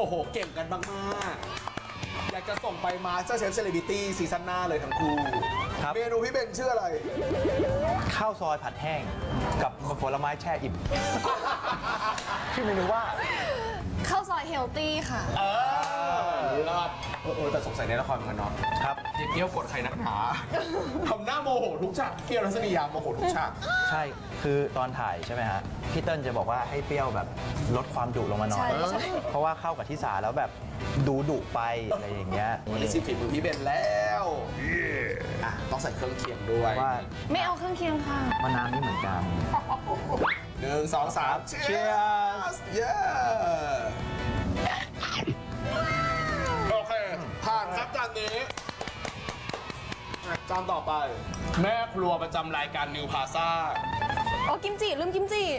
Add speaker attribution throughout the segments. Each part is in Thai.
Speaker 1: โหเก่งกันมากๆอยากจะส่งไปมาสเตอร์เชฟเซเลบริตี้ซีซั่นหน้าเลยทั้งคู่เมนูพี่เบนชื่ออะไร
Speaker 2: ข้าวซอยผัดแห้งกับผลไม้แช่อิ่มชื่อเมนูว่า
Speaker 3: ข้าวซอยเฮลตี้ค่ะ
Speaker 1: รอดแต่สงสัยในละครมันเนาะ
Speaker 2: ครับ
Speaker 1: เกี้ยวกดใครนักหนาทำหน้าโมโหทุกฉากเปรี้ยวรัศมียาโมโหทุกฉาก
Speaker 2: ใช่คือตอนถ่ายใช่ไหมฮะพี่เติ้ลจะบอกว่าให้เปรี้ยวแบบลดความดุลงมาหน่อยเพราะว่าเข้ากับทิสาแล้วแบบดุไปอะไรอย่างเงี้ย
Speaker 1: วันนี้สิฝีมือพี่เบนแล้วต้องใส่เครื่องเคียงด้วย
Speaker 2: ว่า
Speaker 3: ไม่เอาเครื่องเคียงค่ะ
Speaker 2: มะนาวนี่เหมือนกัน
Speaker 1: 1 2 3 Cheers เย้โอเคผ่านครับจานนี้จานต่อไปแม่ครัวประจำรายการนิวพาซ่า
Speaker 3: อ๋อกิมจิลืมกิมจิ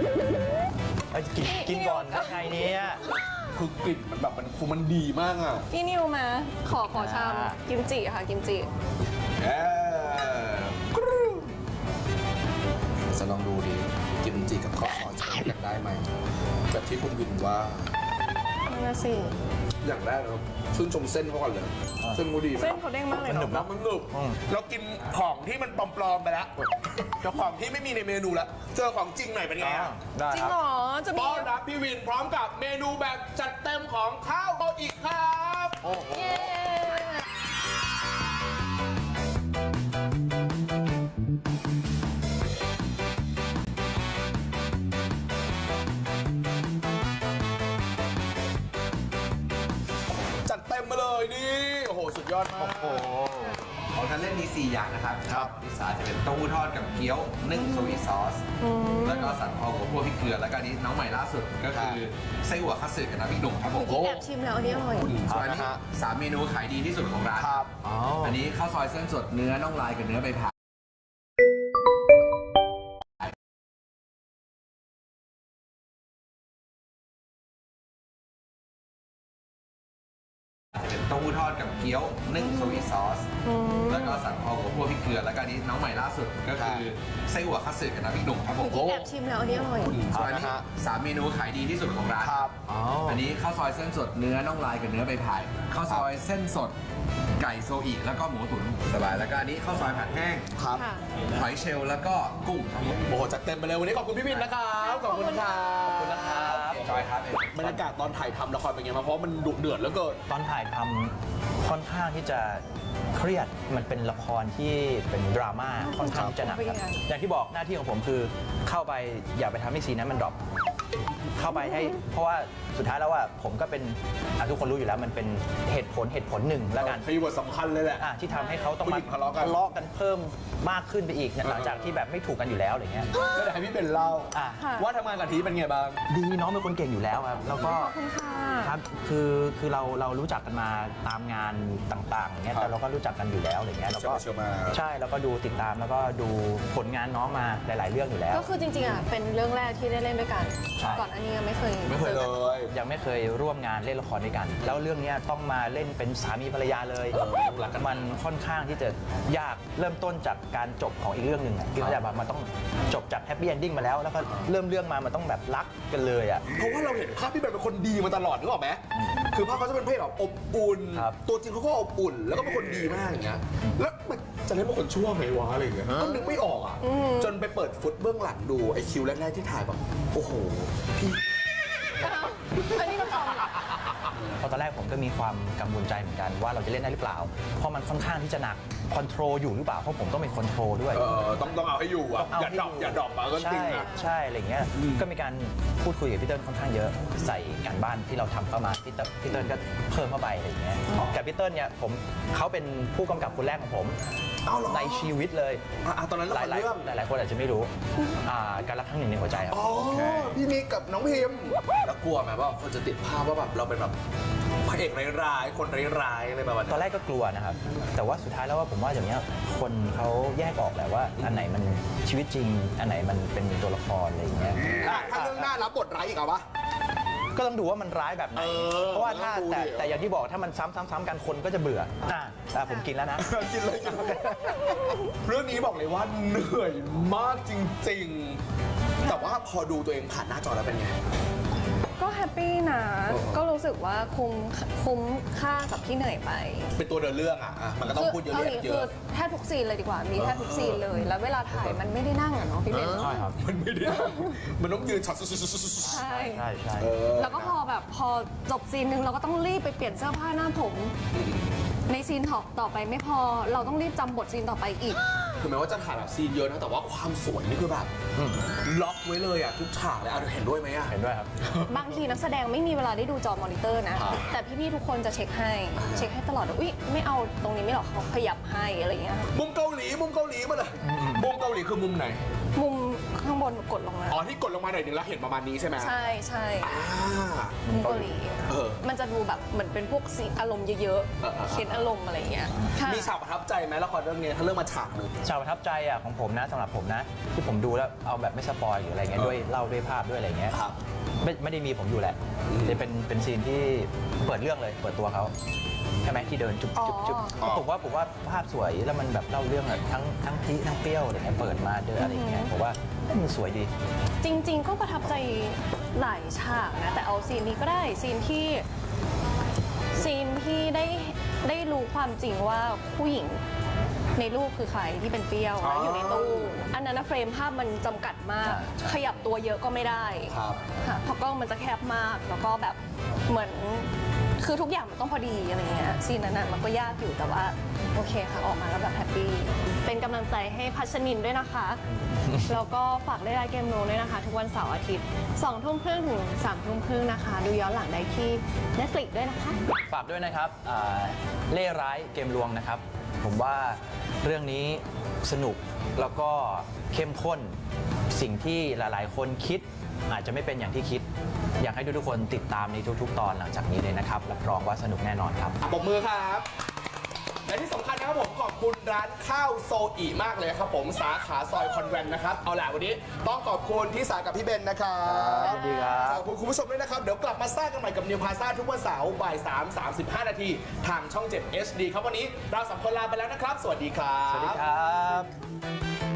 Speaker 2: กินก่อนได้ไงเนี่ย
Speaker 1: คือกลิ่นมันแบบมันดีมากอ่ะ
Speaker 3: พี่นิวมาขอชามกิมจิค่ะกิมจิ
Speaker 1: จะลองดูดิกิมจิกับข้าวซอยจะเข้ากันได้ไหมแบบที่คุณวินว่า
Speaker 3: นั่นน่ะสิ
Speaker 1: อย่างแรกนะครับชื่นชมเส้นเขาก่อนเลยเส้นมูดี
Speaker 3: เส้นเขาเด้งมากเลย
Speaker 1: เนาะมันหนึบเรากินของที่มันปลอมๆไปแล้วเจ้าของที่ไม่มีในเมนูแล้วเจอของจริงหน่อยเป็นไง
Speaker 3: จริงเหรอจะมี
Speaker 1: ต้อนรับพี่วินพร้อมกับเมนูแบบจัดเต็มของข้าวโตอีกครับโอ้โหนี่โอ้โหสุดยอดมาก
Speaker 4: โอ้โหของท่านเล่นมี4อย่างนะครับพิซซ่าจะเป็นเต้าหู้ทอดกับเกี๊ยวนึ่งโซอิซอสแล้วก็สันคอหัวคั่วพริกเกลือแล้วก็นี้น้องใหม่ล่าสุดก็คือไส้อั่วคัตสึกับน้ำพริกหนุ่มครับผม
Speaker 3: แอบชิมแล้วอันนี้อร่อย
Speaker 4: ส่วนอันนี้3 เมนูขายดีที่สุดของร้านอันนี้ข้าวซอยเส้นสดเนื้อน่องลายกับเนื้อใบผ่าเต้าหู้ทอดกับเกี๊ยวนึ่งโซอิซอสแล้วก็สันคอหัวคั่วพริกเกลือแล้วก็นี้น้องใหม่ล่าสุดก็คือไส้อั่วคัตสึกับน้ำพริกหนุ่มครับผม
Speaker 3: แอบชิมแล้วอันนี้อร่อย
Speaker 4: ส่วนอันนี้3 เมนูขายดีที่สุดของร้านอันนี้ข้าวซอยเส้นสดเนื้อน่องลายกับเนื้อใบพายข้าวซอยเส้นสดไก่โซอิแล้วก็หมูตุ๋นสบายแล้วก็อันนี้ข้าวซอยผัดแห้ง
Speaker 1: ครับ
Speaker 4: หอยเชลล์แล้วก็กุ้งครับ
Speaker 1: โอ้โหจัดเต็มไปเลยวันนี้ขอบคุณพี่วินนะครับขอบคุณครับ
Speaker 4: ขอบคุณนะครับจอยครับ
Speaker 1: บรรยากาศตอนถ่ายทำละครเป็นไงบ้างเพราะมันดุเดือดแล้วเกิน
Speaker 2: ตอนถ่ายทำค่อนข้างที่จะเครียดมันเป็นละครที่เป็นดราม่าค่อนข้างจะหนักครับอย่างที่บอกหน้าที่ของผมคือเข้าไปอย่าไปทำให้ซีนนั้นมันดรอปเข้าไปให้เพราะว่าสุดท้ายแล้วว่าผมก็เป็นทุกคนรู้อยู่แล้วมันเป็นเหตุผลหนึ่งแล้วกัน
Speaker 1: คีย์เวิร์ดสำคัญเลยแหละ
Speaker 2: ที่ทำให้เขาต้องมาทะเลาะกันเพิ่มมากขึ้นไปอีกหลังจากที่แบบไม่ถูกกันอยู่แล้วอะไรเงี้ย
Speaker 1: ก็เลยให้พี่เป็นเล่าว่าทำงานกับทีเป็นไงบ้าง
Speaker 2: ดีน้องเป็นคนเก่งอยู่แล้วครับแล้วก็ครับคือเรารู้จักกันมาตามงานต่างๆอย่างเงี้ยแต่เราก็รู้จักกันอยู่แล้วอะไรเงี้ยเราก็ใช่แล้วก็ดูติดตามแล้วก็ดูผลงานน้องมาหลายๆเรื่องอยู่แล้ว
Speaker 3: ก็คือจริงๆเป็นเรื่องแรกที่ได้เล่นด้วยกันก่อนอันนี้ยังไม่เคย
Speaker 1: เลย
Speaker 2: ยังไม่เคยร่วมงานเล่นละครด้วยกันแล้วเรื่องนี้ต้องมาเล่นเป็นสามีภรรยาเลยมันค่อนข้างที่จะยากเริ่มต้นจากการจบของอีกเรื่องหนึ่งที่เขาจะแบบมันต้องจบจากแฮปปี้เอนดิ้งมาแล้วก็เริ่มเรื่องมามันต้องแบบรักกันเลยอ่ะ
Speaker 1: เพราะว่าเราเห็นภาพที่เป็นคนดีมาตลอดนึกออกไหมคือภาพเขาจะเป็นเพศแบบอบอุ่นตัวจริงเขาก็อบอุ่นแล้วก็เป็นคนดีมากอย่างเงี้ยแล้วจะเล่นเป็นคนชั่วไหมวะอะไรอย่างเงี้ยก็นึกไม่ออกอ่ะจนไปเปิดฟุตเบื้องหลังดูไอคิวแรกๆที่ถ่ายแบบโอ้โหพี่
Speaker 3: อันนี้มัน
Speaker 2: พอตอนแรกผมก็มีความกังวลใจเหมือนกันว่าเราจะเล่นได้หรือเปล่าเพราะมันค่อนข้างที่จะหนักคอนโทรลอยู่หรือเปล่าเพราะผมต้องเป็นคอนโทรลด้วย
Speaker 1: ต้องเอาให้อยู่อ่ะอย่าดรอปมาก็จริงนะ
Speaker 2: ใช่อะไรเงี้ยก็มีการพูดคุยกับพี่เติ้ลค่อนข้างเยอะใส่การบ้านที่เราทำเข้ามาพี่เติ้ลก็เพิ่มเข้าไปอะไรเงี้ยกับพี่เติ้ลเนี่ยเขาเป็นผู้กำกับคนแรกของผมในชีวิตเลย
Speaker 1: ตอนนั้นหล
Speaker 2: ายคนอาจจะไม่รู้การรักครั้งหนึ่งในหัวใจครับ
Speaker 1: พี่มิกกับน้องพิมแล้วกลัวไหมว่าคนจะติดภาพว่าแบบเราเป็นแบบพระเอกร้ายคนร้ายอะไรแบบนั้น
Speaker 2: ตอนแรกก็กลัวนะครับแต่ว่าสุดท้ายแล้วว่าผมว่าอย่างนี้คนเขาแยกออกแหละว่าอันไหนมันชีวิตจริงอันไหนมันเป็นตัวละครอะไรอย่างเงี้ย
Speaker 1: ถ้าเรื่องหน้ารับบทร้ายอีกเหรอวะ
Speaker 2: ก็ต้องดูว่ามันร้ายแบบไหนเพราะว่าถ้าแต่อย่างที่บอกถ้ามันซ้ำกันคนก็จะเบื่อผมกินแล้วนะ
Speaker 1: กินเลยเรื่องนี้บอกเลยว่าเหนื่อยมากจริงๆแต่ว่าพอดูตัวเองผ่านหน้าจอแล้วเป็นไง
Speaker 3: ก็แแฮปปี้นะ ก็รู้สึกว่าคุ้มค่ากับที่เหนื่อยไป
Speaker 1: เป็นตัวเดินเรื่องอ่ะมันก็ต้องพูดเยอะ
Speaker 3: เกาหลี
Speaker 1: เย
Speaker 3: คือ
Speaker 1: อะ
Speaker 3: แทบทุกซีนเลยดีกว่า มีแทบทุกซีนเลย แล้วเวลาถ่ายมันไม่ได้นั่งอะเนาะพี่เบน
Speaker 2: ใช่ครับ
Speaker 1: มันไม่ได้มันต้องยืนช็อต
Speaker 3: ใช่
Speaker 2: ใช่ใช่
Speaker 3: แล้วก็พอจบซีนหนึ่งเราก็ต้องรีบไปเปลี่ยนเสื้อผ้าหน้าผม ในซีนต่อไปไม่พอเราต้องรีบจำบทซีนต่อไปอีก
Speaker 1: คือแม้ว่าจะถ่ายแบบซีนเยอะนะแต่ว่าความสวยนี่คือแบบล็อกไว้เลยอ่ะทุกฉากเลยเห็นด้วยไหมอ่ะ
Speaker 2: เห็นด้วยครับ
Speaker 3: บางทีนักแสดงไม่มีเวลาได้ดูจอมอนิเตอร์นะ
Speaker 1: ครับ
Speaker 3: แต่พี่ๆทุกคนจะเช็คให้ตลอดว่าอุ๊ยไม่เอาตรงนี้ไม่หรอกเขาขยับให้อะไรอย่างเงี้ย
Speaker 1: มุมเกาหลีมาเลยมุมเกาหลีคือมุมไหน
Speaker 3: มุมข้างบนกดลงมา
Speaker 1: อ๋อที่กดลงมาหน่อยนึงแล้วเห็นประมาณนี้ใช่ไหม
Speaker 3: ใช่ใช่
Speaker 1: อ่า
Speaker 3: มุมเกาหลี มันจะดูแบบเหมือนเป็นพวกซีนอารมณ์เยอะๆเค้นอารมณ์อะไรอย่างเงี้ยค่ะ
Speaker 1: มีฉากประทับใจไหมละครเรื่องนี้ถ้าเรื่องมาฉากหนึ่ง
Speaker 2: ฉากประทับใจอ่ะของผมนะสำหรับผมนะ ที่ผมดูแล้วเอาแบบไม่สปอยหรืออะไรเงี้ยด้วยเล่าด้วยภาพด้วยอะไรเงี้ย
Speaker 1: ครับ
Speaker 2: ไม่ได้มีผมอยู่แหละจะเป็นซีนที่เปิดเรื่องเลยเปิดตัวเขาใช่ไหมที่เดินจุ๊บจุ๊บจุ๊บ
Speaker 1: อ๋อ
Speaker 2: ผมว่าภาพสวยแล้วมันแบบเล่าเรื่องแบบทั้งทีทั้งเปรี้ยวอะไรเงี้ยเปิดมาเจออะไรเงี้ยผมว่ามันสวยดี
Speaker 3: จริง ๆ ก็ประทับใจหลายฉากนะ แต่เอาซีนนี้ก็ได้ซีนที่ได้รู้ความจริงว่าผู้หญิงในรูปคือใครที่เป็นเปรี้ยว
Speaker 1: อ๋อ
Speaker 3: แล้วอยู่ในตู้อันนั้นนะเฟรมภาพมันจำกัดมาก
Speaker 2: ใช่
Speaker 3: ขยับตัวเยอะก็ไม่ได้
Speaker 1: ครับ
Speaker 3: ค่ะเพราะกล้องมันจะแคบมากแล้วก็แบบเหมือนคือทุกอย่างมันต้องพอดีอะไรเงี้ยซีนนั้นน่ะมันก็ยากอยู่แต่ว่าโอเคค่ะออกมาแล้วแบบแฮปปี้เป็นกำลังใจให้พัชนินด้วยนะคะ แล้วก็ฝากได้รายเกมโนด้วยนะคะ ทุกวันเสาร์อาทิตย์2 ทุ่มครึ่งถึง3 ทุ่มครึ่งนะคะ ดูย้อนหลังได้ที่ Netflix ด้วยนะคะ
Speaker 2: ฝากด้วยนะครับเล่ร้ายเกมลวงนะครับ ผมว่าเรื่องนี้สนุกแล้วก็เข้มข้นสิ่งที่หลายๆ คนคิดอาจจะไม่เป็นอย่างที่คิด อยากให้ทุกๆคนติดตามในทุกๆ ตอนหลังจากนี้เลยนะครับรับรองว่าสนุกแน่นอนครับ
Speaker 1: ปรบมือครับ และที่สำคัญนะครับผมขอบคุณร้านข้าวโซอีมากเลยครับผมสาขาซอยคอนแวนต์นะครับ เอาล่ะวันนี้ต้องขอบคุณที่สากับพี่เบนนะครับ
Speaker 2: สวัสดีครับ
Speaker 1: ขอบคุณคุณผู้ชมด้วยนะครับ เดี๋ยวกลับมาสร้างกันใหม่กับนิวพาซ่าทุกวันเสาร์บ่าย 3:35 นาทีทางช่อง 7 HD ครับวันนี้เราสองคนลาไปแล้วนะครับ สวัสดีครับ
Speaker 2: สวัสดีครับ